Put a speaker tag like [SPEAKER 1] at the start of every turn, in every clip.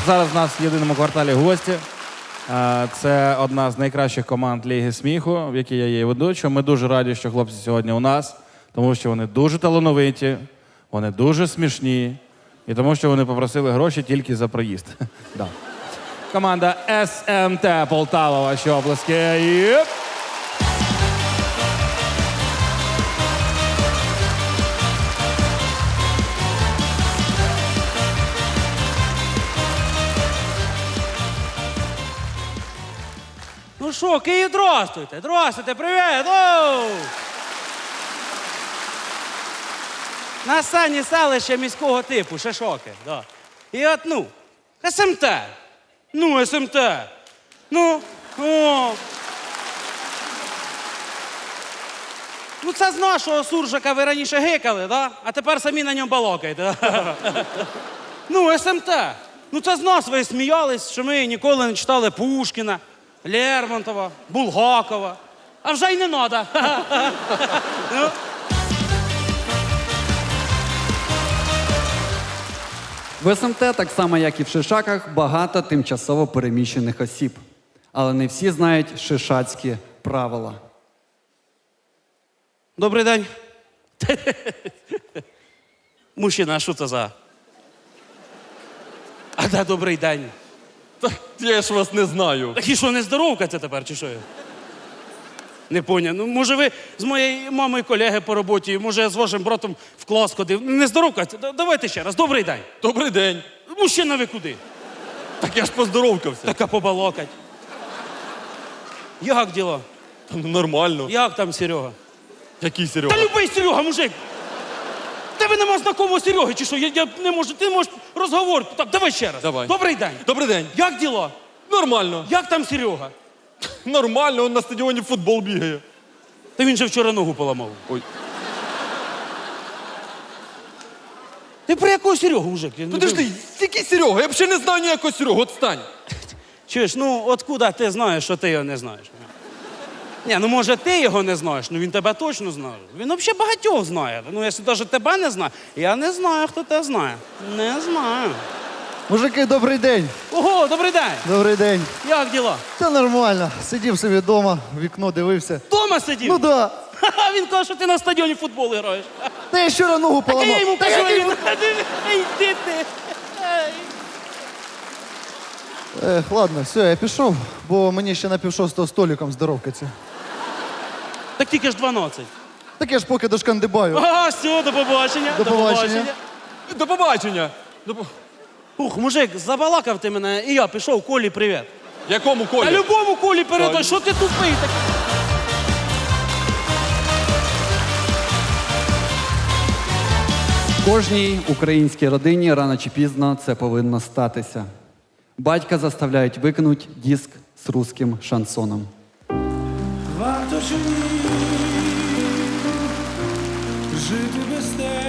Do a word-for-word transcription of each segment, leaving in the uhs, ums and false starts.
[SPEAKER 1] зараз в нас в єдиному кварталі гості. Е, Це одна з найкращих команд Ліги сміху, в якій я є ведучим. Ми дуже раді, що хлопці сьогодні у нас, тому що вони дуже талановиті, вони дуже смішні і тому, що вони попросили гроші тільки за проїзд. Да. Команда ес ем те Полтава, ваші оплески. Єп!
[SPEAKER 2] Ну що, Київ, здравствуйте, здравствуйте, привіт! Оу! На сані селище міського типу, Шишоки, да. І от, ну, ес ем те. Ну, ес ем те. Ну, о. Ну, це з нашого суржика ви раніше гикали, да? А тепер самі на ньому балокаєте. Да? Ну, ес ем те. Ну, це з нас ви сміялись, що ми ніколи не читали Пушкіна, Лермонтова, Булгакова. А вже й не надо. Ну.
[SPEAKER 3] В ес ем те, так само як і в Шишаках, багато тимчасово переміщених осіб. Але не всі знають шишацькі правила.
[SPEAKER 2] Добрий день. Мужчина, а що це за? А да, добрий день.
[SPEAKER 4] Я ж вас не знаю.
[SPEAKER 2] Так і що, не здоровка це тепер, чи що? Не поняв. Ну, може, ви з моєю мамою колеги по роботі, може, я з вашим братом в клас ходив. Не здоровка це? Да- Давайте ще раз. Добрий день.
[SPEAKER 4] Добрий день.
[SPEAKER 2] Мужчина, ви куди?
[SPEAKER 4] Так я ж поздоровкався.
[SPEAKER 2] Така побалакать. Як діло?
[SPEAKER 4] Та ну нормально.
[SPEAKER 2] Як там Серега?
[SPEAKER 4] Який Серега?
[SPEAKER 2] Та любий Серега, мужик! Тебе нема знакомого Сереги, чи що? Я, я не можу, ти можеш розговор. Так, давай ще раз.
[SPEAKER 4] Давай.
[SPEAKER 2] Добрий день.
[SPEAKER 4] Добрий день.
[SPEAKER 2] Як діло?
[SPEAKER 4] Нормально.
[SPEAKER 2] Як там Серега?
[SPEAKER 4] Нормально, он на стадіоні в футбол бігає.
[SPEAKER 2] Та він же вчора ногу поламав.
[SPEAKER 4] Ой.
[SPEAKER 2] Ти про якого Серегу, мужик? Я не
[SPEAKER 4] Подожди, який Серега? Я взагалі не знаю ніякого Серегу, отстань.
[SPEAKER 2] Чуєш, ну откуда ти знаєш, що ти його не знаєш? Ні, ну може ти його не знаєш, ну він тебе точно знає. Він взагалі багатьох знає. Ну, якщо навіть тебе не знає, я не знаю, хто тебе знає. Не знаю.
[SPEAKER 5] Мужики, добрий день.
[SPEAKER 2] Ого, добрий день!
[SPEAKER 5] Добрий день.
[SPEAKER 2] Як діла?
[SPEAKER 5] Це нормально. Сидів собі вдома, в вікно дивився.
[SPEAKER 2] Дома сидів?
[SPEAKER 5] Ну да.
[SPEAKER 2] Ха-ха, він каже, що ти на стадіоні в футбол граєш.
[SPEAKER 5] Та я щора ногу
[SPEAKER 2] Так
[SPEAKER 5] поламав.
[SPEAKER 2] я йому
[SPEAKER 5] Та
[SPEAKER 2] кажу,
[SPEAKER 5] який
[SPEAKER 2] він... Йди ти. Ай.
[SPEAKER 5] Ех, ладно, все, я пішов, бо мені ще на півшостого столиком здоровкаться.
[SPEAKER 2] Так тільки ж дванадцять.
[SPEAKER 5] Так я ж поки дошкандибаю.
[SPEAKER 2] Ага, все, до побачення.
[SPEAKER 5] До побачення.
[SPEAKER 4] До побачення. До... по-
[SPEAKER 2] Ух, мужик, забалакав ти мене, і я пішов, Колі, привіт.
[SPEAKER 4] Якому
[SPEAKER 2] Та
[SPEAKER 4] Колі?
[SPEAKER 2] любому Колі передай,
[SPEAKER 4] Та-
[SPEAKER 2] що ти тупий такий?
[SPEAKER 3] В кожній українській родині рано чи пізно це повинно статися. Батька заставляють викинути диск з русським шансоном.
[SPEAKER 6] Варто чи ні жити без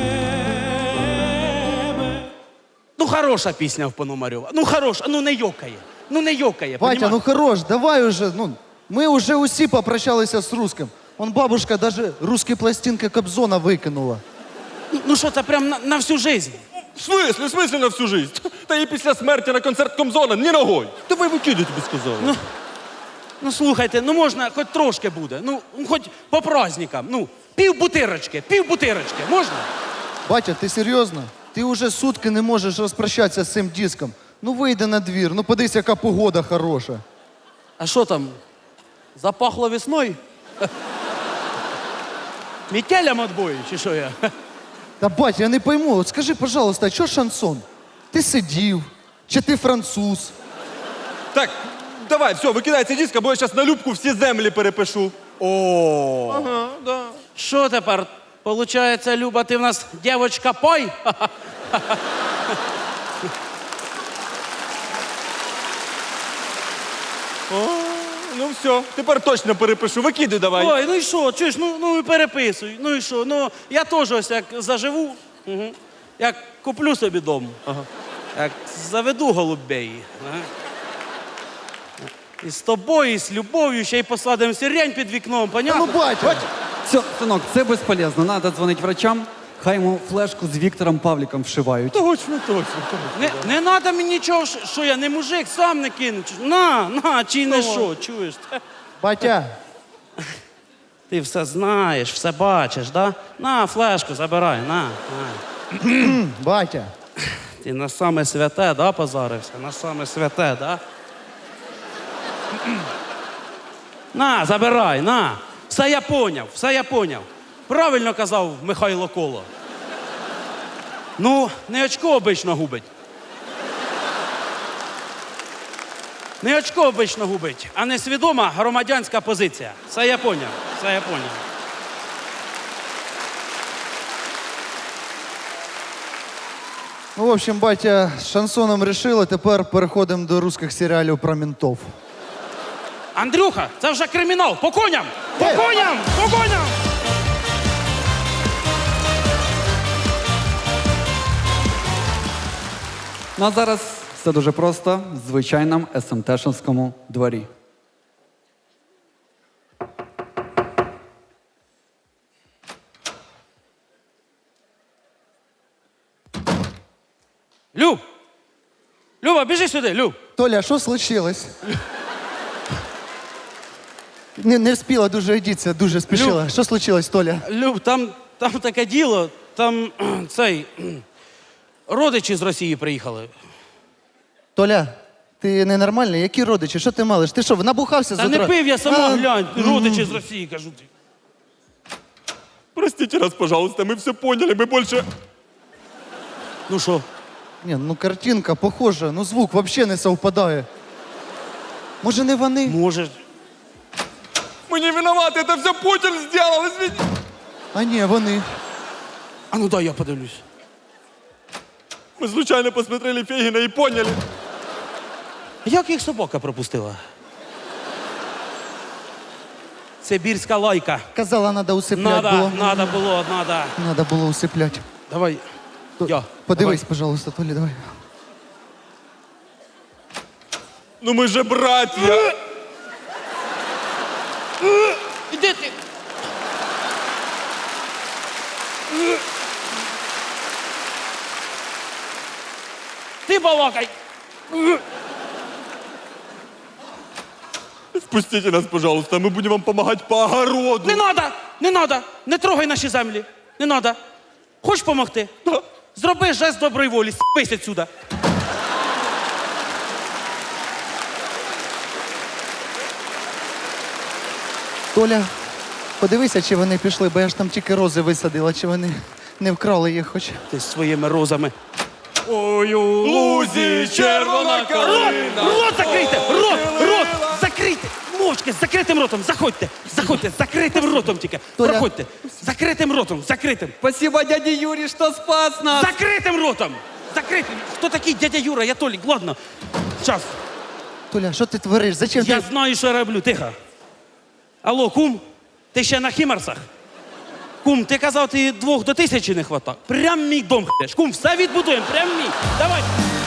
[SPEAKER 6] тебе?
[SPEAKER 2] Ну, хороша пісня в Пономарьова. Ну, хороша, ну не йокає. Ну не йокає,
[SPEAKER 5] Батя,
[SPEAKER 2] понімаєш?
[SPEAKER 5] ну хорош, давай уже. Ну, ми уже усі попрощалися з русским. Он бабушка даже русські пластинки Кобзона викинула.
[SPEAKER 2] Ну, ну що, це прям на, на всю жизнь?
[SPEAKER 4] В смислі, в смислі на всю жизнь? Та і після смерті на концерт Комзона ні ногой. Давай викидай, тобі сказали.
[SPEAKER 2] Ну, ну слухайте, ну можна, хоч трошки буде. Ну, хоч по праздникам. Ну, пів бутирочки, пів бутирочки, можна?
[SPEAKER 5] Батя, ти серйозно? Ти уже сутки не можеш розпрощатися з цим диском. Ну вийди на двір, ну подивись, яка погода хороша.
[SPEAKER 2] А що там? Запахло весною? Метелям отбою, чи що я?
[SPEAKER 5] Та батя, я не пойму, от скажи, пожалуйста, а що шансон? Ти сидів, чи ти француз?
[SPEAKER 4] Так, давай, все, викидай цей диск, або я зараз на любку всі землі перепишу.
[SPEAKER 2] О,
[SPEAKER 4] Ага, да.
[SPEAKER 2] що тепер? Получається, Люба, ти в нас дівочка пой?
[SPEAKER 4] О, ну все, тепер точно перепишу. Викидай давай.
[SPEAKER 2] Ой, ну і що, чуєш, ну, ну і переписуй. Ну і що, ну я теж ось як заживу, угу. Як куплю собі дом, ага. Як заведу голубей. Ага. І з тобою, і з любов'ю, ще й посадимо сирень під вікном,
[SPEAKER 5] Ну,
[SPEAKER 2] понятно?
[SPEAKER 5] батя!
[SPEAKER 3] Все, синок, це безполезно. Надо дзвонити врачам. Хай йому флешку з Віктором Павліком вшивають.
[SPEAKER 4] Точно, точно.
[SPEAKER 2] Не, не треба мені нічого, що- що я не мужик, сам не кину. Чи- На, на, чи не що, чуєш?
[SPEAKER 5] Батя,
[SPEAKER 2] Ти все знаєш, все бачиш, да? На, флешку забирай, на, на.
[SPEAKER 5] батя.
[SPEAKER 2] Ти на саме святе, да, позарився? На саме святе, да? На, забирай, на. Все я поняв, все я поняв. Правильно казав Михайло Коло. Ну, не очко обично губить. Не очко обично губить, а не свідома громадянська позиція. Все я поняв, все я поняв.
[SPEAKER 5] Ну, в общем, батя, з шансоном решили, тепер переходимо до русських серіалів про ментов.
[SPEAKER 2] Андрюха, це вже кримінал. По коням! По
[SPEAKER 5] Е!
[SPEAKER 2] коням! По коням!
[SPEAKER 3] Ну а зараз все дуже просто в звичайному ес ем те-шному дворі.
[SPEAKER 2] Люб! Люба, біжи сюди, Люб!
[SPEAKER 5] Толя, а що случилось? Не, не встигла дуже одіться, дуже спішила. Що случилось, Толя?
[SPEAKER 2] Люб, там, там таке діло, там кхм, цей кхм, родичі з Росії приїхали.
[SPEAKER 5] Толя, ти ненормальний? Які родичі? Що ти малиш? Ти що, набухався
[SPEAKER 2] Та
[SPEAKER 5] з
[SPEAKER 2] не
[SPEAKER 5] утра?
[SPEAKER 2] пив я сама,
[SPEAKER 5] А,
[SPEAKER 2] глянь, родичі з Росії, кажу ти.
[SPEAKER 4] Простите нас, пожалуйста, мы все поняли, мы больше...
[SPEAKER 2] Ну що?
[SPEAKER 5] Ні, ну картинка похожа, ну звук взагалі не совпадає. Може, не вони?
[SPEAKER 2] Може.
[SPEAKER 4] Мы не виноваты, это все Путин сделал, извини.
[SPEAKER 5] А ні, вони.
[SPEAKER 2] А ну дай я подивлюсь.
[SPEAKER 4] Мы случайно посмотрели Фегина и поняли.
[SPEAKER 2] Як їх собака пропустила? Сибірська лайка.
[SPEAKER 5] Казала, треба усиплять
[SPEAKER 2] Надо,
[SPEAKER 5] було.
[SPEAKER 2] надо було, надо.
[SPEAKER 5] Надо було усиплять.
[SPEAKER 2] Давай.
[SPEAKER 5] То-
[SPEAKER 2] Я.
[SPEAKER 5] Подивись, пожалуйста, Толя, давай.
[SPEAKER 4] Ну мы же братья.
[SPEAKER 2] Іди ти. Ти балакай.
[SPEAKER 4] Спустите нас, пожалуйста, мы будем вам помогать по огороду.
[SPEAKER 2] Не надо, не надо, не трогай наші землі. Не надо. Хочеш помогти? Зроби жест доброї волі, спись отсюда.
[SPEAKER 5] Толя, подивися, чи вони пішли, бо я ж там тільки рози висадила, чи вони не вкрали їх хоч.
[SPEAKER 2] Ти з своїми розами.
[SPEAKER 4] Ой, у лузі червона калина.
[SPEAKER 2] Рот закрийте! Рот! Рот! Закрийте! Мовчки, з закритим ротом, заходьте! Заходьте, з закритим ротом тільки.
[SPEAKER 5] Толя.
[SPEAKER 2] Проходьте. З закритим ротом, закритим.
[SPEAKER 3] Спасибо, дяді Юрій, що спас нас!
[SPEAKER 2] Закритим ротом! Закритим! Хто такий дядя Юра? Я Толік, ладно. Щас.
[SPEAKER 5] Толя, що ти твориш? Зачем
[SPEAKER 2] Я
[SPEAKER 5] ти?
[SPEAKER 2] знаю, що я роблю, тихо. Алло, кум, ти ще на хімарсах? Кум, ти казав, ти двох до тисячі не хватає. Прям мій дом х**еш. Кум, все відбудуємо, прям мій. Давай.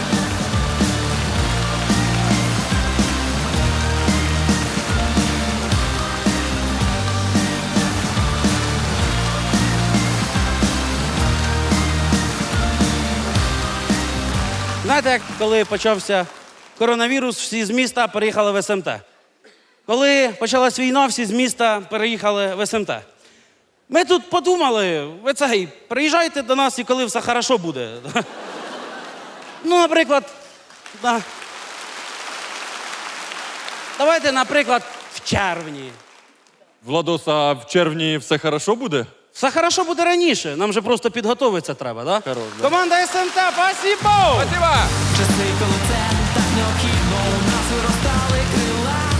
[SPEAKER 2] Знаєте, як коли почався коронавірус, всі з міста переїхали в ес ем те. Коли почалась війна, всі з міста переїхали в ес ем те. Ми тут подумали, ви цей, приїжджайте до нас і коли все хорошо буде. Ну, наприклад, да. Давайте, наприклад, в червні.
[SPEAKER 4] Владос, а в червні все хорошо буде?
[SPEAKER 2] Все хорошо буде раніше, нам же просто підготовитися треба, да?
[SPEAKER 4] Хорош, да.
[SPEAKER 2] Команда ес ем те, спасибо!
[SPEAKER 4] Спасибо!
[SPEAKER 7] Часи, коли це так необхідно, у нас виростали крила.